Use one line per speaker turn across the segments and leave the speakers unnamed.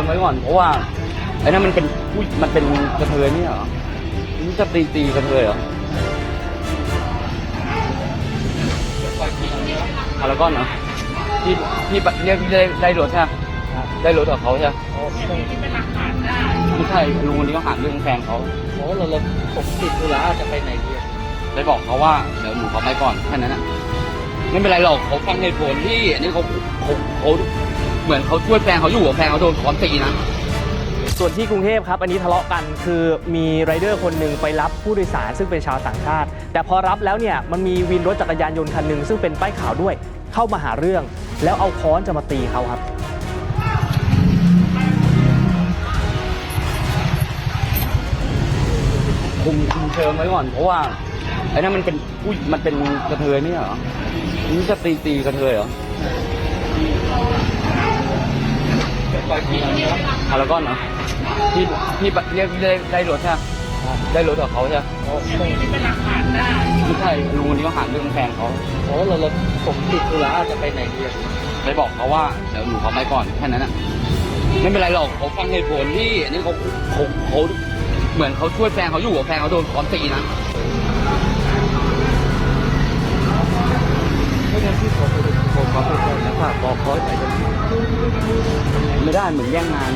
ไว้ก่อนเพราะว่าไอ้นั่นมันเป็นกระเทยนี่เหรอมันจะตีกระเทยเหรอพารากอนเหรอที่เรียกได้รถใช่ไหมได้รถกับเขาใช่ไหมไม่ใช่ลุงคนนี้เขาหาเรื่องแฟนเขา
เราผมติดธุระจะไปไหนดี
ได้บอกเขาว่าเดี๋ยวหนูขอไปก่อนแค่นั้นนะไม่เป็นไรหรอกเขาฟังเหตุผลที่อันนี้เขาเหมือนเขาช่วยแฟนเขาอยู่กับแฟนเขาโดนค้อนตีนะ
ส่วนที่กรุงเทพครับอันนี้ทะเลาะกันคือมีไรเดอร์คนหนึ่งไปรับผู้โดยสารซึ่งเป็นชาวต่างชาติแต่พอรับแล้วเนี่ยมันมีวินรถจักรยานยนต์คันหนึ่งซึ่งเป็นป้ายขาวด้วยเข้ามาหาเรื่องแล้วเอาค้อนจะมาตีเขาครับ
คุมเชิงไว้ก่อนเพราะว่าไอ้นั่นมันเป็นกระเทยนี่เหรอมันจะตีกระเทยเหรอพารากอนเหรอที่เรียกได้รถใช่ไหมได้รถกับเขาใช่ไหมไม่ใช่ลุงคนนี้เขาหาเรื่องแฟนเขา
เราผมติดธุระจะไปไหนดี
ไปบอกเขาว่าเดี๋ยวหนูขอไปก่อนแค่นั้นนะไม่เป็นไรหรอกเขาฟังเหตุผลที่อันนี้เขาเหมือนเขาช่วยแฟนเขาอยู่กับแฟนเขาโดนค้อนตีนะ
ไม่งั้นพี่ผมขอไปก่อนนะฝากบอกเขาหน่อยจะ
ไม่ได้เหมือนแย่งงาน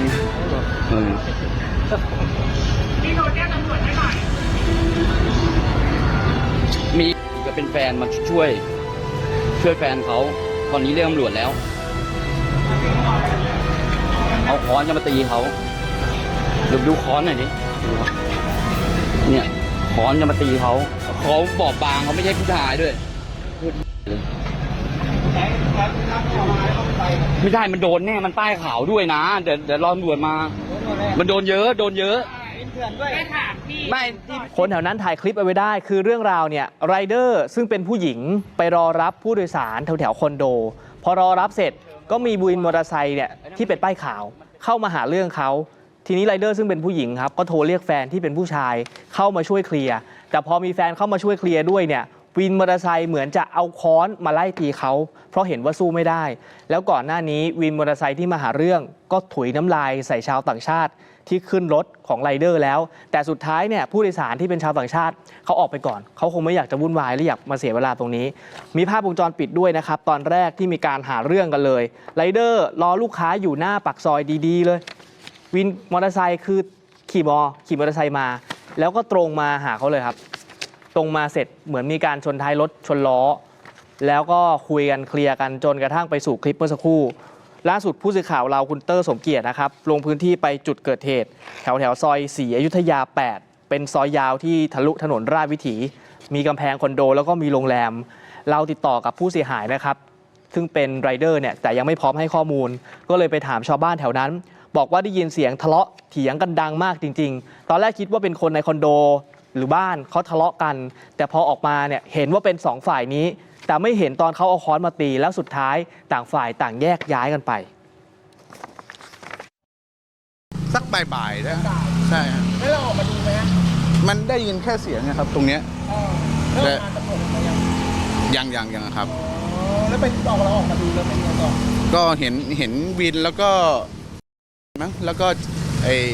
พี่โทรแจ้งตำรวจให้หน่อย
มีก็เป็นแฟนมาช่วยแฟนเขาตอนนี้เรียกตำรวจแล้วเอาค้อนจะมาตีเขาดูค้อนหน่อยดิเนี่ยค้อนจะมาตีเขาบอบบางเขาไม่ใช่ผู้ชายด้วยไม่ใช่มันโดนแน่มันป้ายขาวด้วยนะเดี๋ยวรอตำรวจมามันโดนเยอะไม่
คนแถวนั้นถ่ายคลิปเอาไว้ได้คือเรื่องราวเนี่ยไรเดอร์ซึ่งเป็นผู้หญิงไปรอรับผู้โดยสารแถวคอนโดพอรอรับเสร็จก็มีวินมอเตอร์ไซค์เนี่ยที่เป็นป้ายขาวเข้ามาหาเรื่องเขาทีนี้ไรเดอร์ซึ่งเป็นผู้หญิงครับก็โทรเรียกแฟนที่เป็นผู้ชายเข้ามาช่วยเคลียร์แต่พอมีแฟนเข้ามาช่วยเคลียร์ด้วยเนี่ยวินมอเตอร์ไซค์เหมือนจะเอาค้อนมาไล่ตีเขาเพราะเห็นว่าสู้ไม่ได้แล้วก่อนหน้านี้วินมอเตอร์ไซค์ที่มาหาเรื่องก็ถุยน้ำลายใส่ชาวต่างชาติที่ขึ้นรถของไรเดอร์แล้วแต่สุดท้ายเนี่ยผู้โดยสารที่เป็นชาวต่างชาติเขาออกไปก่อนเขาคงไม่อยากจะวุ่นวายและอยากมาเสียเวลาตรงนี้มีภาพวงจรปิดด้วยนะครับตอนแรกที่มีการหาเรื่องกันเลยไรเดอร์รอลูกค้าอยู่หน้าปากซอยดีๆเลยวินมอเตอร์ไซค์คือขี่มอเตอร์ไซค์มาแล้วก็ตรงมาหาเขาเลยครับตรงมาเสร็จเหมือนมีการชนท้ายรถชนล้อแล้วก็คุยกันเคลียร์กันจนกระทั่งไปสู่คลิปเมื่อสักครู่ล่าสุดผู้สื่อข่าวเราคุณเตอร์สมเกียรตินะครับลงพื้นที่ไปจุดเกิดเหตุแถวซอย4อยุธยา8เป็นซอยยาวที่ทะลุถนนราชวิถีมีกำแพงคอนโดแล้วก็มีโรงแรมเราติดต่อกับผู้เสียหายนะครับซึ่งเป็นไรเดอร์เนี่ยแต่ยังไม่พร้อมให้ข้อมูลก็เลยไปถามชาวบ้านแถวนั้นบอกว่าได้ยินเสียงทะเลาะเถียงกันดังมากจริงๆตอนแรกคิดว่าเป็นคนในคอนโดหรือบ้านเขาทะเลาะกันแต่พอออกมาเนี่ยเห็นว่าเป็น2ฝ่ายนี้แต่ไม่เห็นตอนเขาเอาค้อนมาตีแล้วสุดท้ายต่างฝ่ายต่างแยกย้ายกันไป
สักบ่ายๆนะใช่ครับ
แล้วเราออกมาดูไหม
มันได้ยินแค่เสียงนะครับตรงเนี้ย
แล้วตำรวจมา
ยังครับ
แล้วไปเราออกมาดูแล้วเป็นยังไงต่อ
ก็เห็นวินแล้วก็มั้งแล้วก็ไอ้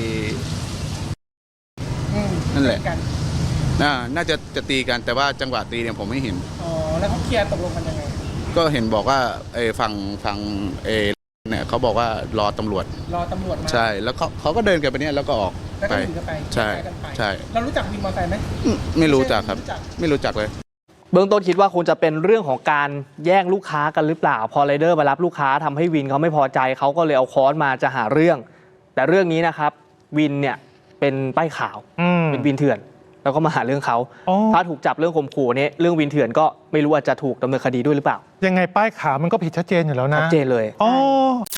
นั่นแหละน่าจะตีกันแต่ว่าจังหวะตีเนี่ยผมไม่เห็น
แล้วเขาเคลียร์ตกลงกันยังไง
ก็เห็นบอกว่าฝั่งเนี่ยเขาบอกว่ารอตำรวจมาใช่แล้วเขาก็เดินกันไปเนี่ยแล้วก็ออก
ไป
ใช่
เรารู้จักวินมอเตอร์ไซค์ไหม
ไม่รู้จักครับไม่รู้จักเลย
เบื้องต้นคิดว่าคงจะเป็นเรื่องของการแย่งลูกค้ากันหรือเปล่าพอไรเดอร์มารับลูกค้าทำให้วินเขาไม่พอใจเขาก็เลยเอาค้อนมาจะหาเรื่องแต่เรื่องนี้นะครับวินเนี่ยเป็นป้ายขาวเป็นวินเถื่อนแล้วก็มาหาเรื่องเขาถ้าถูกจับเรื่องข่มขู่นี้เรื่องวินเถื่อนก็ไม่รู้ว่าจะถูกดำเนินคดีด้วยหรือเปล่า
ยังไงป้ายขาวมันก็ผิดชัดเจนอยู่แล้วนะ
ชัดเจนเลย